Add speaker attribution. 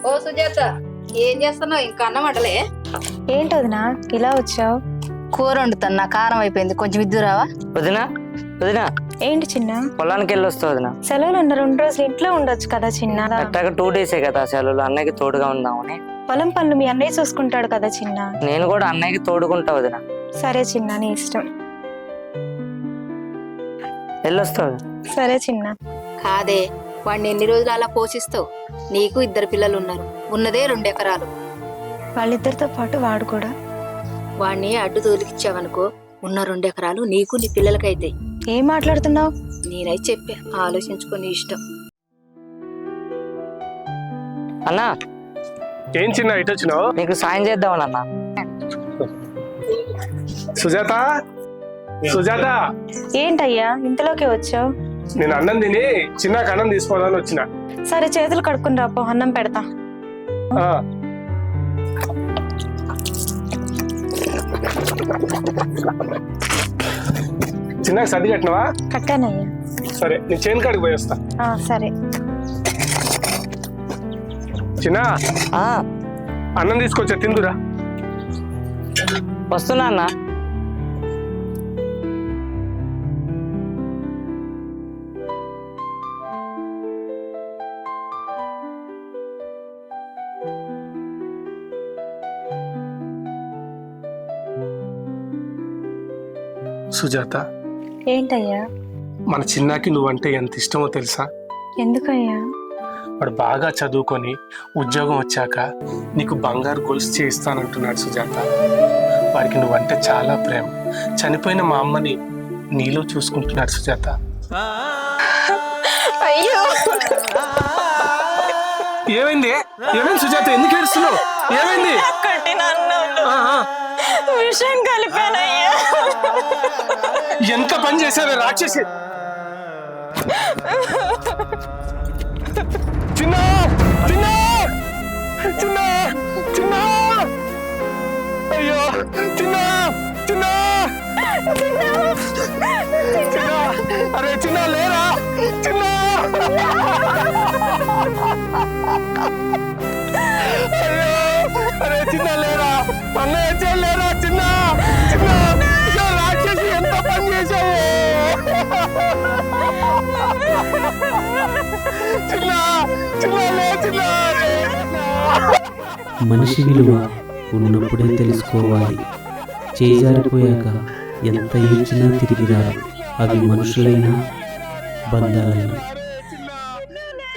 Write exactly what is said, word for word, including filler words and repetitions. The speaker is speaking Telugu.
Speaker 1: ఓ సుజాత, ఏం చేస్తున్నావు? ఇంకా అన్నం వండలే?
Speaker 2: ఏంటి వదినా ఇలా వచ్చావు?
Speaker 1: కూర వండుతున్నా, కారం అయిపోయింది, కొంచెం ఇద్దురావా?
Speaker 3: వదినా వదినా
Speaker 2: ఏంటి చిన్న?
Speaker 3: పొలానికి వెళ్ళి వస్తా వదినా.
Speaker 2: సెలవులు ఉన్న రెండు రోజులు ఇంట్లో ఉండొచ్చు కదా చిన్న.
Speaker 3: అట్టాక టూ డేసే కదా సెలవులు, అన్నయ్యకి తోడుగా ఉందామని.
Speaker 2: పొలం పనులు మీ అన్నయ్య చూసుకుంటాడు కదా చిన్న.
Speaker 3: నేను కూడా అన్నయ్యకి తోడుకుంటా వదినా.
Speaker 2: సరే చిన్న, నీ ఇష్టం.
Speaker 3: వెళ్ళొస్తా వదినా.
Speaker 2: సరే చిన్న.
Speaker 1: కాదే, వాడిని ఎన్ని రోజులు అలా పోషిస్తావు? నీకు ఇద్దరు పిల్లలు ఉన్నారు, ఉన్నదే రెండు ఎకరాలు.
Speaker 2: వాళ్ళిద్దరితో పాటు వాడు కూడా.
Speaker 1: వాడిని అడ్డు తోలికిచ్చావనుకో, ఉన్న రెండు ఎకరాలు నీకు నీ పిల్లలకైతే.
Speaker 2: ఏం మాట్లాడుతున్నావు?
Speaker 1: నేనైతే చెప్పా, ఆలోచించుకొని ఇష్టం.
Speaker 3: అన్నా,
Speaker 4: ఏం చిన్న ఇటు వచ్చినావు?
Speaker 3: నీకు సాయం చేద్దామని అన్న.
Speaker 4: సుజాత, సుజాత,
Speaker 2: ఏంటయ్యా ఇంతలోకి వచ్చావు?
Speaker 4: నేను అన్నం తిని చిన్న అన్నం తీసుకోవాలని వచ్చిన.
Speaker 2: సరే చేతులు కడుక్కుని రాపో, అన్నం పెడతా.
Speaker 4: ఆ. చిన్నగా సర్ది కట్టినవా?
Speaker 2: కట్టానయ్యా.
Speaker 4: సరే, నేను చేను కాడికి పోయి వస్తా.
Speaker 2: ఆ, సరే.
Speaker 4: చిన్న,
Speaker 3: ఆ,
Speaker 4: అన్నం తీసుకొచ్చా, తిందురా.
Speaker 3: వస్తున్నా అన్న.
Speaker 4: సుజాత,
Speaker 2: ఏంటయ్యా?
Speaker 4: మన చిన్నాకి నువ్వంటే ఎంత ఇష్టమో తెలుసా?
Speaker 2: ఎందుకయ్యా?
Speaker 4: వాడు బాగా చదువుకొని ఉద్యోగం వచ్చాక నీకు బంగారు గొలుసు చేయిస్తానంటున్నాడు సుజాత. వాడికి నువ్వంటే చాలా ప్రేమ. చనిపోయిన మా అమ్మని నీలో చూసుకుంటున్నాడు సుజాత.
Speaker 2: అయ్యో,
Speaker 4: ఏమైంది? ఏమైంది సుజాత? ఎందుకు ఏడుస్తున్నావు? ఏమైంది?
Speaker 2: విషయం కలిపానయ్యా.
Speaker 4: ఎంత పని చేశావే రాక్షసి! చిన్న చిన్న చిన్న చిన్న అయ్యో చిన్న చిన్న చిన్న అరే చిన్న లేరా చిన్న అయ్యో అరే చిన్న లేరా అన్నయ్య లేరా చిన్న చిన్న రాక్షసి ఎంత పని చేశావు చిన్న చిన్న లే చిన్న
Speaker 5: మనిషి విలువ ఉన్నప్పుడే తెలుసుకోవాలి. చేజారిపోయాక ఎంత ఏడ్చినా తిరిగి రాదు. అవి మనుషులైనా బంధాలైనా.